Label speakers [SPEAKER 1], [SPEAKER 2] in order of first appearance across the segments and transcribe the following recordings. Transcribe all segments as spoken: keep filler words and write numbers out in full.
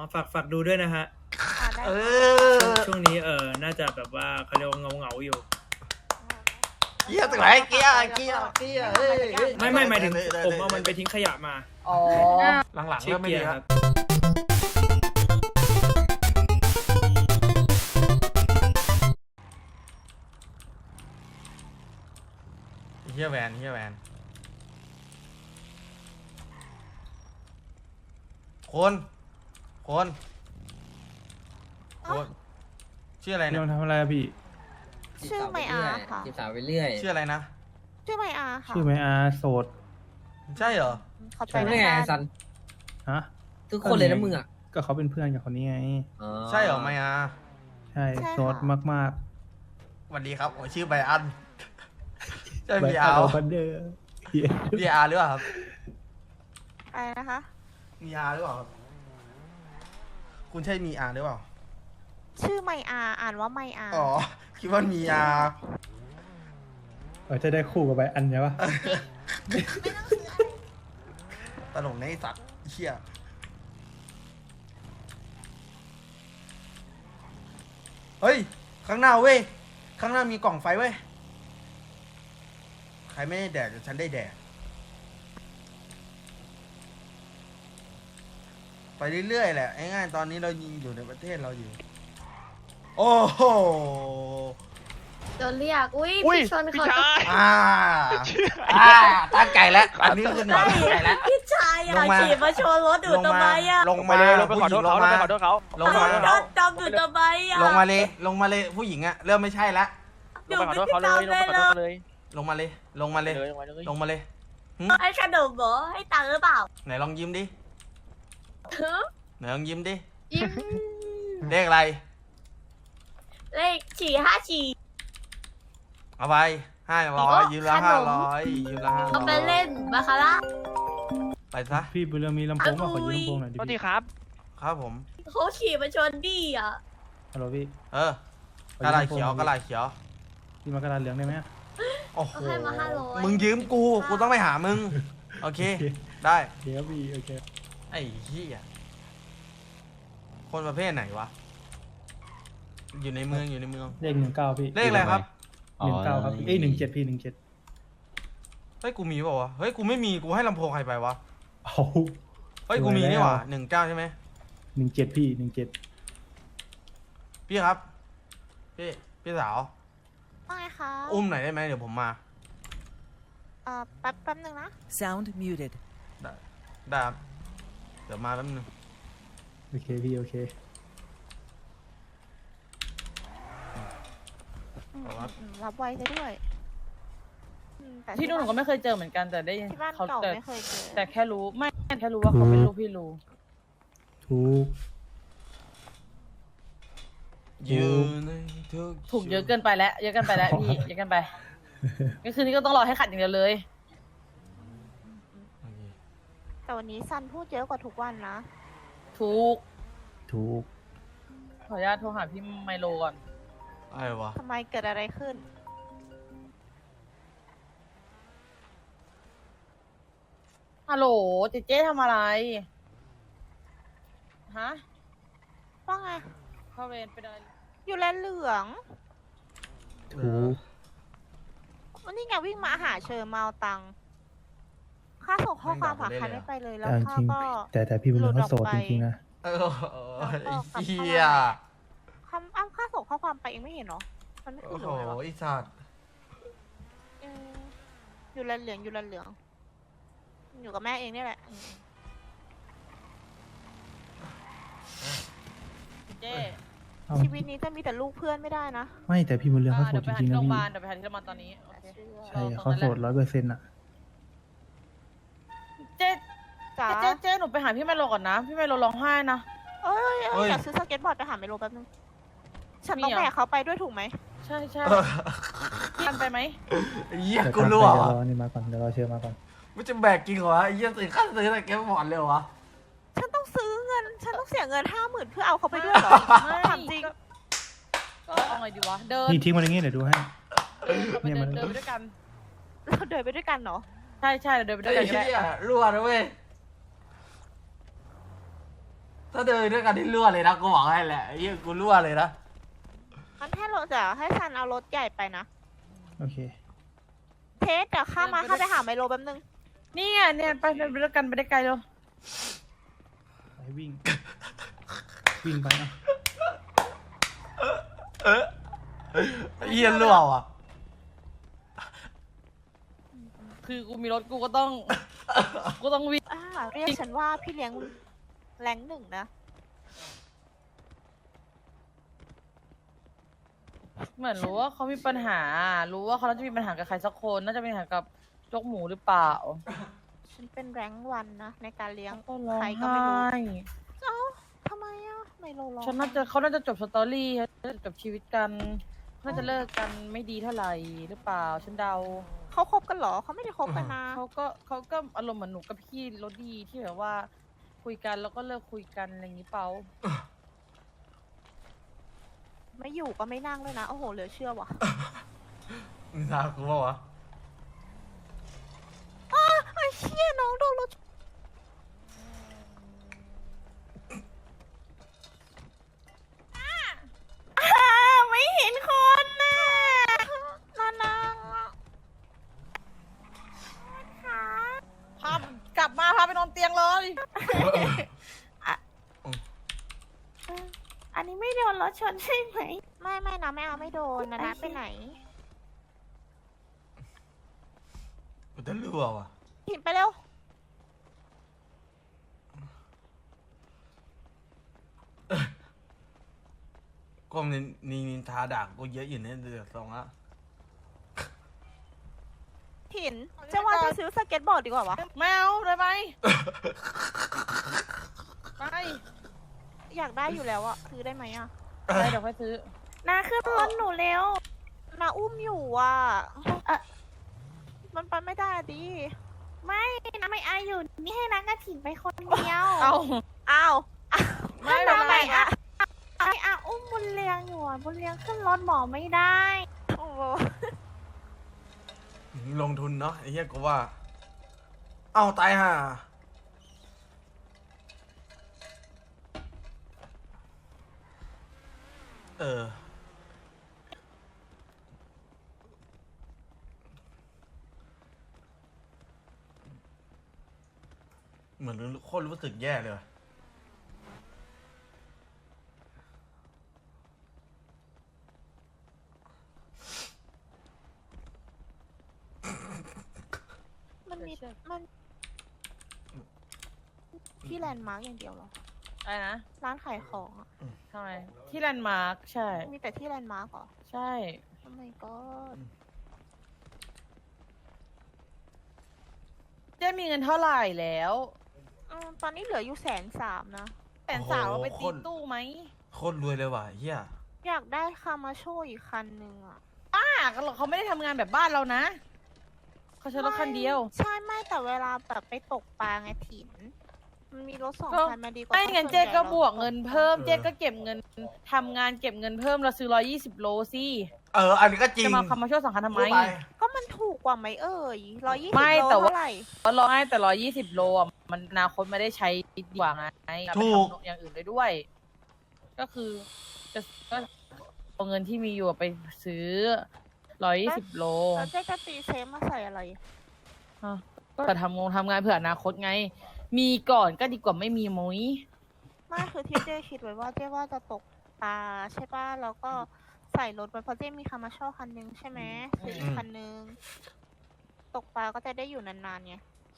[SPEAKER 1] ฝากฝากดูด้วยนะฮะ
[SPEAKER 2] เอ
[SPEAKER 1] อช่วงนี้เออน่าจะแบบว่าเขาเรียกว่าเงาเงาอยู่
[SPEAKER 2] เกียร์ตรงไหนเกียร์เกียร์เกียร์
[SPEAKER 1] ไม่ไม่หมายถึงผมเอามันไปทิ้งขยะมา
[SPEAKER 2] อ๋อหลังๆเริ่มไม่ดีครับเฮียแวนเฮียแวนคนคนคนชื่ออะไรเนี่ย
[SPEAKER 3] ทำอะไรอะพี่
[SPEAKER 4] ชื่อไมอาค่ะจีบสาวไปเรื่อย
[SPEAKER 2] ชื่ออะไรนะ
[SPEAKER 4] ชื่อไมอาค่ะ
[SPEAKER 3] ชื่อไมอาโสด
[SPEAKER 2] ใช่เหรอ
[SPEAKER 4] เขาใจ
[SPEAKER 1] ไม่
[SPEAKER 4] ไง
[SPEAKER 1] ซัน
[SPEAKER 3] ฮะ
[SPEAKER 1] ทุกคนเลยนะมึงอ่ะ
[SPEAKER 3] ก็เขาเป็นเพื่อนกับคนนี้ไง
[SPEAKER 2] ใช่เหรอไมอา
[SPEAKER 3] ใช่โสดมาก
[SPEAKER 2] ๆสวัสดีครับผมชื่อไบอันใช่บี
[SPEAKER 3] อา
[SPEAKER 2] ร์
[SPEAKER 3] บันเดอร์
[SPEAKER 2] บีอาร์หรือเปล่าครับ
[SPEAKER 4] อะไรนะคะ
[SPEAKER 2] มีอาร์หรือเปล่าครับคุณใช่มีอาร์หรือเปล่า
[SPEAKER 4] ชื่อไมอาอ่านว่าไมอา
[SPEAKER 2] อ๋อคิดว่ามีอาร์
[SPEAKER 3] เออจะได้คู่กับไบอันใช่ปะ
[SPEAKER 2] ตลกในสัตว์เชี่ยเฮ้ยข้างหน้าเว้ยข้างหน้ามีกล่องไฟเว้ยใครไม่ได้แดกเดี๋ยวฉันได้แดกไปเรื่อยๆแหละง่ายๆตอนนี้เรายิงอยู่ในประเทศเราอยู่โอ้โห
[SPEAKER 4] โดนเรียกอุ้ยพี่ชนเขา
[SPEAKER 2] อ่าอ่าตั้งไก่แล้วอันนี้คือหนอนตั้งไก่แล้ว
[SPEAKER 4] พี่ชายอ่ะขี่มาชนรถดูทำไมอ่ะ
[SPEAKER 2] ลงมาเลยลงไปขอโทษเขาลงไปขอโทษเขาลงมา
[SPEAKER 4] โดนจำดูทำไมอ่ะ
[SPEAKER 2] ลงมาเลยลงมาเลยผู้หญิงอะเริ่มไม่ใช่แล้ว
[SPEAKER 4] ลงไปขอโทษเขาเลยลงไปขอโทษเลย
[SPEAKER 2] ลงมาเลยลงมาเลยลงมาเลย
[SPEAKER 4] ให้ขนมเหรอให้ตังค์หรือเปล่า
[SPEAKER 2] ไหนลองยิ้มดิไหนลองยิ้มดิ
[SPEAKER 4] ยิ้ม
[SPEAKER 2] เลขอะไร
[SPEAKER 4] เลขสี่ห้าสี่
[SPEAKER 2] เอาไปห้าร้อยยืมละห้าร้อยยืมละห้าร้อย
[SPEAKER 4] เอาไปเล่นบาคาร่า
[SPEAKER 2] ไปซะ
[SPEAKER 3] พี่บุญเรืองมีลำโพงมาขอยืมลำโพงหน่อยดิ
[SPEAKER 2] พี่ครับครับผม
[SPEAKER 4] เขาขี่มาชนดีอ่ะ
[SPEAKER 3] ฮัลโหลพี่
[SPEAKER 2] เออกระดาษเขียวกระดาษเขียว
[SPEAKER 3] พี่มากระดาษเหลืองได้ไหม
[SPEAKER 2] โอ้โหมึงยืมกูกูต้องไปหามึงโอเคได้
[SPEAKER 3] เดี๋ยวพี่โอเค
[SPEAKER 2] ไอ้เหี้ยคนประเภทไหนวะอยู่ในเมืองอยู่ในเมือง
[SPEAKER 3] เลขหนึ่งเก้าพี่
[SPEAKER 2] เลขอะไรครับ
[SPEAKER 3] หนึ่งเก้าครับเอ้ยหนึ่งเจ็ดพี่หนึ่งเจ็ด
[SPEAKER 2] เฮ้ยกูมีเปล่าวะเฮ้ยกูไม่มีกูให้ลำโพงใครไปวะ
[SPEAKER 3] เอา
[SPEAKER 2] เฮ้ยกูมีนี่หว่าหนึ่งเก้าใช่ไหม
[SPEAKER 3] หนึ่งเจ็ดพี่หนึ่งเจ็ด
[SPEAKER 2] พี่ครับพี่พี่สาว
[SPEAKER 4] ว่าไงคะ
[SPEAKER 2] อุ้มหน่อยได้ไหมเดี๋ยวผมมา
[SPEAKER 4] เอ่อแป๊บแป๊บนึงนะ
[SPEAKER 5] Sound muted
[SPEAKER 2] ได้ได้ครับเดี๋ยวมาแป๊บนึง
[SPEAKER 3] โอเคพี่โอเค
[SPEAKER 4] รับไว้ซะด้วย
[SPEAKER 6] ที่นู่นหนูก็ไม่เคยเจอเหมือนกันแต่ได้
[SPEAKER 4] ที่บ้าน
[SPEAKER 6] เขา
[SPEAKER 4] เก่า
[SPEAKER 6] แต่
[SPEAKER 4] ไม่เคยเจอ
[SPEAKER 6] แต่แค่รู้ไม่แค่รู้ว่าเขาเป็นลูกพี่รู้
[SPEAKER 3] ถูก
[SPEAKER 2] อยู่ในทุก
[SPEAKER 6] ถูกเยอะเกินไปแล้วเยอะเกินไปแล้วพี่เยอะเกินไปก็คืนนี้ก็ต้องรอให้ขัดอย่างเดียวเลย
[SPEAKER 4] แต่วันนี้ซันพูดเยอะกว่าทุกวันนะ
[SPEAKER 6] ถูก
[SPEAKER 3] ถูก
[SPEAKER 6] ขออนุญาตโทรหาพี่ไมโลก่อน
[SPEAKER 2] อะไรวะ
[SPEAKER 4] ทำไมเกิดอะไรขึ้น
[SPEAKER 6] ฮัลโหลเจเจ๊ทำอะไรฮะ
[SPEAKER 4] ว่าไง
[SPEAKER 6] เข้าเวรไปเลย
[SPEAKER 4] อยู่แลนเหลือง
[SPEAKER 3] ถูก
[SPEAKER 4] วันนี้ไงวิ่งมาหาเชิญมาเอาตังค์ค่าส่งข้อความฝากคันไม่ไปเลยแล้วค่าก็
[SPEAKER 3] แต่แต่พี่บุญเรืองเขาโสดจริงๆนะ
[SPEAKER 2] เออไอ้เหี้ย
[SPEAKER 4] คำอ้ำค่าส่งข้อความไปเองไม่เห็นหรอมันไม่ขึ้นเลย
[SPEAKER 2] โอ้โหไอ้สัตว์
[SPEAKER 4] อยู่แลนเหลืองอยู่แลนเหลืองอยู่กับแม่เองนี่แหละ
[SPEAKER 6] เจ๊
[SPEAKER 4] ชีวิตนี้จะมีแต่ลูกเพื่อนไม่ได้นะ
[SPEAKER 3] ไม่แต่พี่บุญเรืองเขาโสดจริงๆนะพี่
[SPEAKER 6] เดี๋ยวไปหาที่โรงพยาบาลตอนนี้
[SPEAKER 3] ใช่เขาโสดร้อยเปอร์เซ็นต์อะ
[SPEAKER 6] เจ๊จ๋าเจ๊เจ๊หนูไปหาพี่ไมโลก่อนนะพี่ไมโลร้องไห้นะ
[SPEAKER 4] เอ้ยอยากซื้อสเก็ตบอร์ดไปหาไมโลแป๊บนึงฉันต้องแบกเขาไปด้วยถูกไหม
[SPEAKER 6] ใช่ใช่ทันไปไหม
[SPEAKER 2] เยี่ยกูรู้อ่ะ
[SPEAKER 3] เดี๋ยวรอนี่มาก่อนเดี๋ยวรอเชิญมาก่อน
[SPEAKER 2] ไม่จะแบกจริงเหรอไอ้เยี่ยซื้อขั้นซื้ออะไรแกไม่หมดเลยวะ
[SPEAKER 4] ฉันต้องซื้อเงินฉันต้องเสียเงินห้าหมื่นเพื่อเอาเขาไปด้วยเหรอถามจริง
[SPEAKER 6] ก็เอาไงดีวะเดิน
[SPEAKER 3] นี่ทิ้งมันอย่างงี้เดี๋ยวดูให้
[SPEAKER 6] เนี่ยมันเดินไปด้วยกัน
[SPEAKER 4] เราเดินไปด้วยกันเนาะ
[SPEAKER 6] ใช่ใช่เดินไปด้วยกัน
[SPEAKER 2] ก็ได้รั่วนะเว้ยถ้าเดินด้วยกันที่รั่วเลยนะกูบอกให้แหละไอ้เหี้ยกูรั่วเลยนะ
[SPEAKER 4] งั้นให้รถเดี๋ยวให้ซันเอารถใหญ่ไปนะ
[SPEAKER 3] โอเค
[SPEAKER 4] เทสเดี๋ยวข้ามาข้าไปหาไมโลแป๊บนึง
[SPEAKER 6] นี่ไงเนี่ยไปไปด้วยกันไปได้ไกลเลย
[SPEAKER 3] ไปวิ่ง วิ่งไปนะ
[SPEAKER 2] เออไอ้เหี้ยรั่วอ่ะ
[SPEAKER 6] คือกูมีรถกูก็ต้อง กูต้องวิ่ง
[SPEAKER 4] อ่าเรียกฉันว่าพี่เลี้ยงแรงหนึ่งนะ
[SPEAKER 6] เหมือนรู้ว่าเขามีปัญหา รู้ว่าเขาน่าจะมีปัญหากับใครสักคนน่าจะมีปัญหากับจกหมูหรือเปล่า
[SPEAKER 4] ฉันเป็นแรงวันนะในการเลี้ยง
[SPEAKER 6] ก็ร้อง
[SPEAKER 4] ใครก็ไม่รู้
[SPEAKER 6] ไห้
[SPEAKER 4] เอ้าทำไมอ่ะไมโลร้อง
[SPEAKER 6] ฉันน่าจะเขาน่าจะจบสตอรี่เขาน่าจะจบชีวิตกันน่าจะเลิกกันไม่ดีเท่าไหร่หรือเปล่าฉันเดา
[SPEAKER 4] เขาคบกันเหรอเขาไม่ได้คบกันนะ
[SPEAKER 6] เขาก็เขาก็อารมณ์เหมือนหนูกับพี่โรดี้ที่แบบว่า คุยกันแล้วก็เลิกคุยกันอะไรอย่างนี้เปล่า
[SPEAKER 4] ไม่อยู่ก็ไม่นั่งเลยนะ โอ้โหเหลือเชื่อว่ะ
[SPEAKER 2] มึงทากูเปล่าวะ
[SPEAKER 4] อ้าไอ้เชี่ยน้องโดนรถชนอ่าไม่เห็นคนน่ะนานังค่ะ
[SPEAKER 6] พากลับมาพาไปนอนเตียงเลย
[SPEAKER 4] อันนี้ไม่โดนรถชนใช่ไหม ไม่ไม่นะไม่เอาไม่โดนนะนะไปไหน
[SPEAKER 2] กูจะรั่วว่ะ
[SPEAKER 4] หินไปเร็ว
[SPEAKER 2] ก็มีนินินทาด่ากูเยอะอยู่เนี่ยเดือดสองละ
[SPEAKER 4] หินจะว่าจะซื้อสเก็ตบอร์ดดีกว่าวะ
[SPEAKER 6] ไม่เอาได้ไหมไป
[SPEAKER 4] อยากได้อยู่แล้วอะซื้อได้ไหมอะ
[SPEAKER 6] ไปเดี๋ยวค่อยซื้อ
[SPEAKER 4] นาขึ้นรถหนูเร็วนาอุ้มอยู่อะมันไปไม่ได้อะดิ ไม่นาไม่อาอยู่ นี่ให้นากระถิ่นไปคนเดียว
[SPEAKER 6] เอา
[SPEAKER 4] อ้าว
[SPEAKER 6] ไม่เป็นไร
[SPEAKER 4] อะ ไออาอุ้มบุญเลี้ยงอยู่อะบุญเลี้ยงขึ้นรถหมอไม่ได้ โอ้โห
[SPEAKER 2] ลงทุนเนาะไอ้เหี้ยกูว่า เอ้าตายห่าเออ เหมือนโคตรรู้สึกแย่เลยว่ะ
[SPEAKER 4] มันมีมันที่แลนด์มาร์กอย่างเดียวเหรอ
[SPEAKER 6] อะไรนะ
[SPEAKER 4] ร้านขายของอะ
[SPEAKER 6] ทำไมที่แลนด์มาร์คใช่
[SPEAKER 4] มีแต่ที่แลนด์มาร์กเหรอ
[SPEAKER 6] ใช่
[SPEAKER 4] ทำไมก็
[SPEAKER 6] เจ๊มีเงินเท่าไหร่แล้ว
[SPEAKER 4] อืมตอนนี้เหลืออยู่แสนสามนะ
[SPEAKER 6] แสนสาวเราไปตีตู้ไหม
[SPEAKER 2] โคตรรวยเลยว่ะไอ้เหี้ย
[SPEAKER 4] อยากได้คามาโชอีกคันหนึ่งอะ
[SPEAKER 6] ป้าเขาไม่ได้ทำงานแบบบ้านเรานะเขาใช้รถคันเดียว
[SPEAKER 4] ใช่ไม่แต่เวลาแบบไปตกปลาไงถิ่น มันมีรถสอง
[SPEAKER 6] ก็
[SPEAKER 4] คันมาดีกว่า
[SPEAKER 6] ไม่งั้น
[SPEAKER 4] ส่ว
[SPEAKER 6] เจ๊
[SPEAKER 4] ใหญ่
[SPEAKER 6] ก็
[SPEAKER 4] รา
[SPEAKER 6] บวกเงินเพิ่ม เจ๊ก็เก็บเงินทำงานเก็บเงินเพิ่มเราซื้อร้อยยี่สิบโลสิ
[SPEAKER 2] เออ อันนี้ก็จริง
[SPEAKER 6] จะมาคำมาช่วยสองคันทำไม
[SPEAKER 2] พูดป
[SPEAKER 4] ก็มันถูกกว่าไหมเอ่ยร้อยยี่สิบ
[SPEAKER 6] ไม่
[SPEAKER 4] โล
[SPEAKER 6] แต่ว่า
[SPEAKER 4] เท่าไหร่
[SPEAKER 6] ร้อยแต่ร้อยยี่สิบโลอ่ะมันอนาคตไม่ได้ใช้ดีกว่าไงเอาไป
[SPEAKER 2] ถูก
[SPEAKER 6] ทำอย่างอื่นได้ด้วย ก็คือจะก็เอาเงินที่มีอยู่ไปซื้อร้อยยี่สิบโล
[SPEAKER 4] แล้วเจ๊จะตีเซฟมาใส่อะไร
[SPEAKER 6] อ่ะก็ทำงงทำงานเผื่ออนาคตไง มีก่อนก็ดีกว่าไม่มีมุ้ย
[SPEAKER 4] ไม่คือที่เจ๊คิดไว้ว่าเจ๊ว่าจะตกปลาใช่ป่ะแล้วก็ใส่รถไว้เพราะเจ๊มีคามาโชคันนึงใช่ไหมซื้ออีกคันนึง ตกปลาก็จะได้อยู่นานๆไง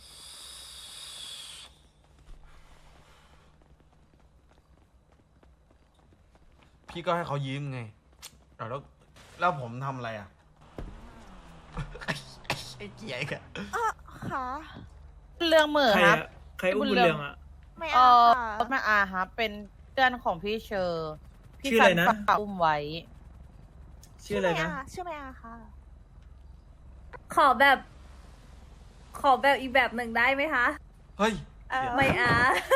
[SPEAKER 2] พี่ก็ให้เขายืมไงเอาแล้วแล้วผมทำอะไรอ่ะ ไอ้เกียร์กะ
[SPEAKER 4] อ่ะค่ะ
[SPEAKER 6] เรื่องเหมือ
[SPEAKER 1] ใคร
[SPEAKER 6] ครับ
[SPEAKER 1] อะใครอุ้มบุญเรืองอะ
[SPEAKER 4] ไม่
[SPEAKER 6] เอ
[SPEAKER 4] เอา
[SPEAKER 6] อ
[SPEAKER 4] ค่ะ
[SPEAKER 6] รถแม่อาครับเป็นเพื่อนของพี่เชอร์พี่
[SPEAKER 1] ชื่ออะไรนะ
[SPEAKER 6] ฝากอุ้มไว้
[SPEAKER 1] ชื่ออะไรนะ
[SPEAKER 4] ชื่อไม่อาค่ะ
[SPEAKER 5] ขอแบบ ขอแบบอีกแบบหนึ่งได้ไหมคะ
[SPEAKER 2] เฮ้ย
[SPEAKER 4] เออ
[SPEAKER 5] ไม่อา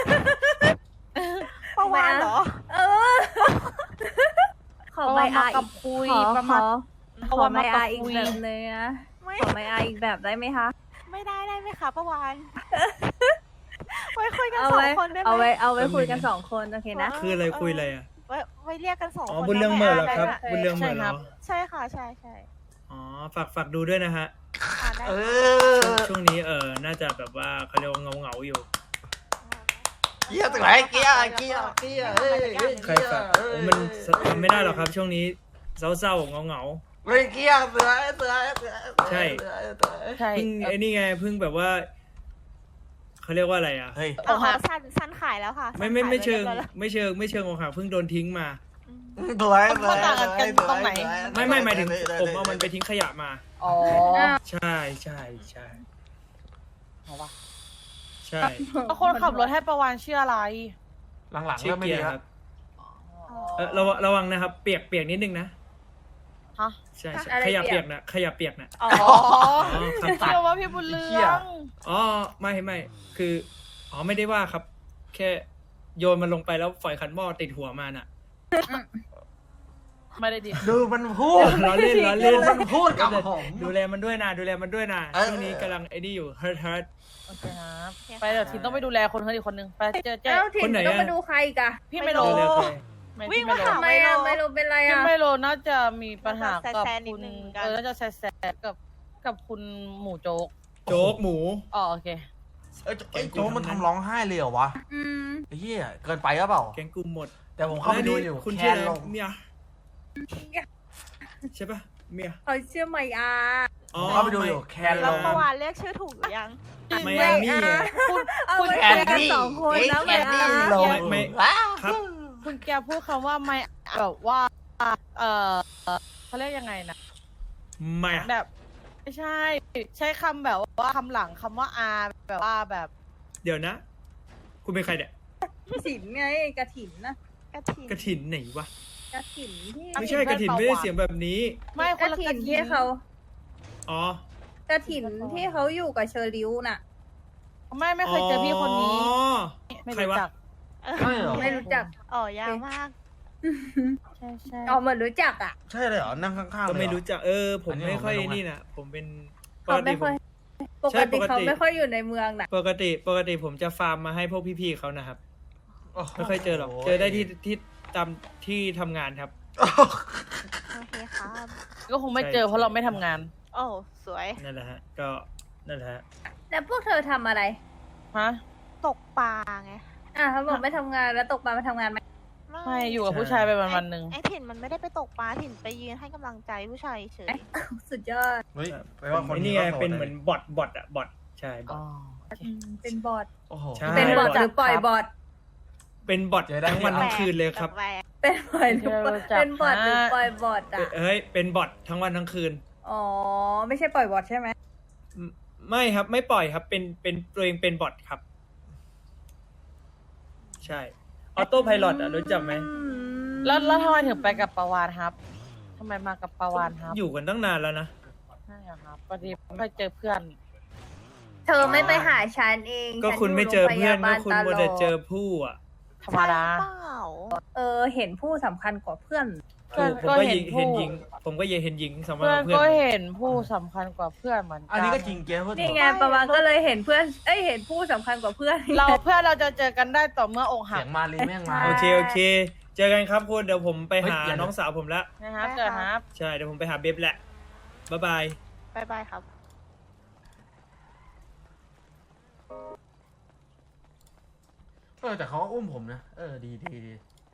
[SPEAKER 4] ประวานเหรอ
[SPEAKER 5] เออ ขอไม่อา
[SPEAKER 6] เพราะว่ามากั
[SPEAKER 5] อี
[SPEAKER 6] บ
[SPEAKER 5] ก
[SPEAKER 6] คุย
[SPEAKER 5] ขอ
[SPEAKER 6] ประ
[SPEAKER 5] ข
[SPEAKER 6] มาณ
[SPEAKER 5] อ
[SPEAKER 6] เพ
[SPEAKER 5] ข
[SPEAKER 6] ราะ
[SPEAKER 5] อ
[SPEAKER 6] ว่า
[SPEAKER 5] ไม่
[SPEAKER 6] มา
[SPEAKER 5] อา
[SPEAKER 6] กับ
[SPEAKER 5] อีก
[SPEAKER 6] คุย
[SPEAKER 5] แบบหนึงนะ
[SPEAKER 4] ไม่
[SPEAKER 5] ขอไม่อาอีกแบบได้ไหมคะ
[SPEAKER 4] ไม่ได้ได้ไหมคะประวานไว้คุยกัน
[SPEAKER 5] เอา
[SPEAKER 4] สอ
[SPEAKER 5] ไว้
[SPEAKER 4] งคนได้ไหม
[SPEAKER 5] เอาไว้เอาไว้คุยกันสองคนโอเคนะ
[SPEAKER 1] คืออะไรคุยอะไรอ่ะ
[SPEAKER 4] ไว้ไว้เรียกกันสอง
[SPEAKER 1] อ๋อ
[SPEAKER 4] คน
[SPEAKER 1] บุญเรื่องเหม่อเหรอครับ
[SPEAKER 4] ได้ไหม
[SPEAKER 1] บุญเรื่องเหม่อเหรอ
[SPEAKER 4] ใช่ค่ะใช่ใช่
[SPEAKER 1] อ๋อฝากฝากดูด้วยนะฮะ
[SPEAKER 4] อ่าได้
[SPEAKER 2] เอ
[SPEAKER 4] ค่ะ
[SPEAKER 2] อ
[SPEAKER 1] ช่วงนี้เออน่าจะแบบว่าเขาเรียกว่าเงาเงาๆอยู่
[SPEAKER 2] เกียร์ตัวไหนเกียร์เกียร์เกียร์เฮ้ยเฮ้ย
[SPEAKER 1] ใครฝากโอ้มันทำไม่ได้หรอกครับ ช่วงนี้เศร้าๆเงาเงา
[SPEAKER 2] เฮ้ยเกียร์เสือเสือเสือ
[SPEAKER 1] ใช่
[SPEAKER 2] เสือเสือ
[SPEAKER 6] ใช่
[SPEAKER 1] ๆเพิ่งไอ้นี่ไงเพิ่งแบบว่าเขาเรียกว่าอะไรอ่ะ
[SPEAKER 2] เฮ้ย
[SPEAKER 4] เอาเอาสั้นสั้นขายแล้วค่ะ
[SPEAKER 1] ไม่ไม่ไม่เชิง
[SPEAKER 4] สั้นขายปรียบร้อยแล้ว
[SPEAKER 1] ไม่เชิงไม่เชิงอกหักเพิ่งโดนทิ้งมา
[SPEAKER 4] อืม
[SPEAKER 2] สวยสวย
[SPEAKER 6] มันต่างกันตรงไหน
[SPEAKER 1] ไม่ไม่หมายถึงผมเอามันไปทิ้งขยะมา
[SPEAKER 6] อ๋อ
[SPEAKER 1] ใช่ใช่ใช่
[SPEAKER 6] เอาวะ
[SPEAKER 1] ใช่
[SPEAKER 6] แล้วคนขับรถให้ประวานชื่ออะไร
[SPEAKER 2] หลังๆ
[SPEAKER 1] ชื่อ
[SPEAKER 2] เริ่มไม่
[SPEAKER 1] เกีย
[SPEAKER 2] ดี
[SPEAKER 1] ร์
[SPEAKER 2] ค
[SPEAKER 1] ค
[SPEAKER 2] รั
[SPEAKER 1] รับ บเออระวังระวังนะครับ เปียกเปียกนิดนึงนะ
[SPEAKER 6] ฮะ
[SPEAKER 1] ใช่ใช่
[SPEAKER 5] อะไร
[SPEAKER 1] ขยะ
[SPEAKER 5] เปี
[SPEAKER 1] เปี
[SPEAKER 5] ย
[SPEAKER 1] ย
[SPEAKER 5] ก
[SPEAKER 1] กนะขยะเปียกนะ
[SPEAKER 6] อ๋อ
[SPEAKER 1] อ๋อครับ
[SPEAKER 6] เชื่อว่าพี่บุญเรือง
[SPEAKER 1] อ๋อไม่ไม่คืออ๋อไม่ได้ว่าครับ แค่โยนมันลงไปแล้วฝอยขันหม้อติดหัวมันอ่ะ
[SPEAKER 6] ไม่ได้ดิ
[SPEAKER 2] ดูมันพูด
[SPEAKER 1] ล้อเล่นล้อเล่น
[SPEAKER 2] มันพูดกับผม
[SPEAKER 1] ดูแลมันด้วยนะดูแลมันด้วยนะ
[SPEAKER 2] เออ
[SPEAKER 1] ช่วงนี้กำลังไอ้นี่อยู่เฮิร์ทเฮิร์ท
[SPEAKER 6] โอเคครับไปเดี๋ยวทีต้องไปดูแลคนเฮ้ยอีกคนนึงไปเจอเจ๊
[SPEAKER 5] เอ้าถิ่
[SPEAKER 1] คน นไหน
[SPEAKER 5] ต้อง
[SPEAKER 1] อะ
[SPEAKER 5] มาดูใครอีกอะ
[SPEAKER 6] พี่ไมโล
[SPEAKER 1] ดูแลใคร
[SPEAKER 6] ไม่
[SPEAKER 4] วิ่ง
[SPEAKER 6] พี่ไม
[SPEAKER 4] มา
[SPEAKER 6] โล
[SPEAKER 4] หา
[SPEAKER 5] ทำไมอะไม่รู้เป็นไร
[SPEAKER 6] พี่
[SPEAKER 5] อะ
[SPEAKER 6] ไมโลน่าจะมีปัญหากับ
[SPEAKER 4] แซะๆนิ
[SPEAKER 6] คุ
[SPEAKER 4] ด
[SPEAKER 6] ณ
[SPEAKER 4] นึงกัน
[SPEAKER 6] เออน่าจะแซะๆกับกับคุณหมูโจ๊ก
[SPEAKER 1] โจ๊กหมู
[SPEAKER 6] อ๋อโอเค
[SPEAKER 2] เอ้ยไอ้โจ๊กมันทำร้องไห้เลยเหรอวะ
[SPEAKER 5] อืม
[SPEAKER 2] ไอ้เหี้ยเกินไปหรือเปล่า
[SPEAKER 1] แกงกุมหมด
[SPEAKER 2] แต่ผมเข้าไปดูอยู่
[SPEAKER 1] คุณ
[SPEAKER 2] แค
[SPEAKER 1] ชื่อน อะไร
[SPEAKER 2] ลง
[SPEAKER 1] เมียใช่ปะเมีย
[SPEAKER 5] เขาเชื่อไหมอา
[SPEAKER 1] อ๋อ
[SPEAKER 2] เข้าไปดูอยู่แคน
[SPEAKER 4] แล้ว
[SPEAKER 2] ลง
[SPEAKER 4] เมื่อวานเรียกชื่อถูกหรือยัง
[SPEAKER 1] ไมอามี่อะ
[SPEAKER 5] เอา
[SPEAKER 6] คุณ
[SPEAKER 5] ไว้
[SPEAKER 2] แค
[SPEAKER 5] คุ
[SPEAKER 2] น
[SPEAKER 5] ยกัน
[SPEAKER 2] ดี้
[SPEAKER 5] สองคนแล้วไหม
[SPEAKER 2] แคน
[SPEAKER 5] อา
[SPEAKER 2] ดี้ลง
[SPEAKER 1] ไม่ไม่
[SPEAKER 2] ว้าว
[SPEAKER 1] ครับ
[SPEAKER 6] คุณแกพูดคำว่าไม่แบบว่า เออเขาเรียกยังไงนะ
[SPEAKER 1] ไม่อะ
[SPEAKER 6] แบบ ไม่ใช่ ใช้คำแบบว่าคำหลังคำว่าอาแบบว่าแบบ
[SPEAKER 1] เดี๋ยวนะ คุณเป็นใครเนี่ย
[SPEAKER 5] ถิ่นไงกระถิ่นนะ
[SPEAKER 4] กระถิ่น
[SPEAKER 1] กระถินไหนวะ
[SPEAKER 5] กระถิ่นที่
[SPEAKER 1] ไม่ใช่กระถินไม่ได้เสียงแบบนี้
[SPEAKER 6] ไม่
[SPEAKER 5] ก
[SPEAKER 6] ค
[SPEAKER 5] ระ
[SPEAKER 6] นละ
[SPEAKER 5] ถิ่
[SPEAKER 6] ก
[SPEAKER 5] น
[SPEAKER 6] ระ
[SPEAKER 5] ที่
[SPEAKER 6] ถิ่น
[SPEAKER 5] เขา
[SPEAKER 1] อ๋อ
[SPEAKER 5] กระถิ่นที่เขาอยู่กับเชอริวน่ะ
[SPEAKER 6] ไม่ไม่เคยเจอพี่คนนี้
[SPEAKER 1] อ๋อ
[SPEAKER 6] ไม่
[SPEAKER 1] ใคร
[SPEAKER 6] รู้
[SPEAKER 1] วะ
[SPEAKER 6] จัก
[SPEAKER 4] เออ
[SPEAKER 2] ใช่เหรอ
[SPEAKER 5] ไม่รู้จัก
[SPEAKER 4] อ๋อยาวมาก
[SPEAKER 6] ใช่ใช่
[SPEAKER 5] อ๋อเหมือนรู้จักอ่ะ
[SPEAKER 2] ใช่เลยเหรอ นั่งข้างๆ
[SPEAKER 1] ก็
[SPEAKER 2] เลยเหอ
[SPEAKER 1] ไม่รู้จักเออ ผม
[SPEAKER 2] อันนี้
[SPEAKER 1] ไม่ค่อย
[SPEAKER 2] ผมไม่รู้
[SPEAKER 1] นี่นะผมเป็นป
[SPEAKER 5] เขา
[SPEAKER 1] กติ
[SPEAKER 5] ไม่
[SPEAKER 1] ผ
[SPEAKER 5] ค่อย
[SPEAKER 1] ม
[SPEAKER 5] ป
[SPEAKER 1] ใช่
[SPEAKER 5] กติ
[SPEAKER 1] ปกติ
[SPEAKER 5] เขาไม่ค่อยอยู่ในเมืองน่ะ
[SPEAKER 1] ปกติปกติผมจะฟาร์มมาให้พวกพี่ๆเขานะครับ
[SPEAKER 2] โอ้โห
[SPEAKER 1] ไม่ค่อยเจอหรอก เจอได้ที่ที่ตามที่ทำงานครับ
[SPEAKER 4] โอเคครับ
[SPEAKER 6] ก็คงไม่เจอเพราะเราไม่ทำงาน
[SPEAKER 4] โอ้สวย
[SPEAKER 1] นั่นแหละฮะ ก็นั่นแหละฮะ
[SPEAKER 5] แล้วพวกเธอทำอะไร
[SPEAKER 6] ฮะ
[SPEAKER 4] ตกปลาไง
[SPEAKER 5] อ่ะเขาบอกไม่ทำงานแล้วตกปลามาทำงานไหม
[SPEAKER 6] ไม่อยู่กับผู้ชายไปวันวันๆหนึ่ง
[SPEAKER 4] ไอ้ถิ่นมันไม่ได้ไปตกปลาถิ่นไปยืนให้กำลังใจผู้ชายเฉย
[SPEAKER 5] สุดยอด
[SPEAKER 2] เฮ้ยแปลว่าคน
[SPEAKER 1] ไอ้
[SPEAKER 2] นี้
[SPEAKER 1] นี่ไง
[SPEAKER 2] ก็โสด
[SPEAKER 1] เป็นเหมือนบอทบอทอะบอทใช่บอ
[SPEAKER 6] อ๋
[SPEAKER 1] ท
[SPEAKER 6] อ
[SPEAKER 5] อืมเป็นบอท
[SPEAKER 2] โอ้โห
[SPEAKER 1] ใช่
[SPEAKER 5] เป็นบอท
[SPEAKER 1] บอท
[SPEAKER 5] หรือปล่อยบอท
[SPEAKER 1] เป็นบอท
[SPEAKER 2] เจอได้
[SPEAKER 1] ทั้งวัน
[SPEAKER 2] ที่
[SPEAKER 1] ทั้งคืนเลยครับ
[SPEAKER 4] แปลก
[SPEAKER 5] เป็นปล่อยหรือปล่อยเป็นบอทหรือปล่อยบอทอ่ะ
[SPEAKER 1] เฮ้ย เป็นบอททั้งวันทั้งคืน
[SPEAKER 5] อ๋อ ไม่ใช่ปล่อยบอทใช่ไหม
[SPEAKER 1] ไม่ไม่ครับไม่ปล่อยครับ เป็นเป็นตัวเองเป็นบอทครับ ใช่ออโต้ไพลอตอะรู้จักไหม
[SPEAKER 6] แล้วแล้วทำไมถึงไปกับประวานครับทำไมมากับประวานครับ
[SPEAKER 1] อยู่กันตั้งนานแล้วนะ
[SPEAKER 6] ใช่เหรอครับพอดีไปเจอเพื่อน
[SPEAKER 5] เธอไม่ไปหาฉันเอง
[SPEAKER 1] ก็
[SPEAKER 5] ฉัน
[SPEAKER 1] คุณไม่
[SPEAKER 5] ยู่
[SPEAKER 1] เจอเพื่อน
[SPEAKER 5] โรงพ
[SPEAKER 1] ก็
[SPEAKER 5] ยาบาล
[SPEAKER 1] คุณ
[SPEAKER 5] ตล
[SPEAKER 1] มัว
[SPEAKER 5] อ
[SPEAKER 1] แต่
[SPEAKER 5] ด
[SPEAKER 1] เจอผู้อะ
[SPEAKER 6] ธรรมดา
[SPEAKER 4] เปล่า
[SPEAKER 5] เออ เห็นผู้สำคัญกว่าเพื่อน
[SPEAKER 6] เพื่อน
[SPEAKER 1] ผม
[SPEAKER 6] ก็
[SPEAKER 1] ก็
[SPEAKER 6] เห็
[SPEAKER 1] ยิ
[SPEAKER 6] น
[SPEAKER 1] ง
[SPEAKER 6] ผู้
[SPEAKER 1] เห็นหญิง ผมก็ยังเห็นหญิงสำคัญ
[SPEAKER 6] เพื่อน
[SPEAKER 1] กว่าเพื่
[SPEAKER 6] ก็
[SPEAKER 1] อน
[SPEAKER 6] เห็นผู้สำคัญกว่าเพื่อนเหมือนกัน
[SPEAKER 2] อันนี้ก็จริงเกียร์พูดถู
[SPEAKER 5] นี่
[SPEAKER 2] ก
[SPEAKER 5] ไงประมาณก็เลยเห็นเพื่อน เอ้ย เห็นผู้สำคัญกว่าเพื่อน
[SPEAKER 6] เราเพื่อนเราจะเจอกันได้ต่อเมื่ออกหั
[SPEAKER 2] เสี
[SPEAKER 6] ก
[SPEAKER 2] ยงมาลีแม่งมา
[SPEAKER 1] โอเคโอเค เจอกันครับคุณเดี๋ยวผมไปหา
[SPEAKER 2] เฮ้ยอย่านะ
[SPEAKER 1] น้องสาวผมละ
[SPEAKER 6] นะครับเจอครับ
[SPEAKER 1] ใช่เดี๋ยวผมไปหาเบฟแหละบ๊ายบาย
[SPEAKER 4] บายบายครับ
[SPEAKER 2] เออแต่เขาก็อุ้มผมนะ เออดีดีดี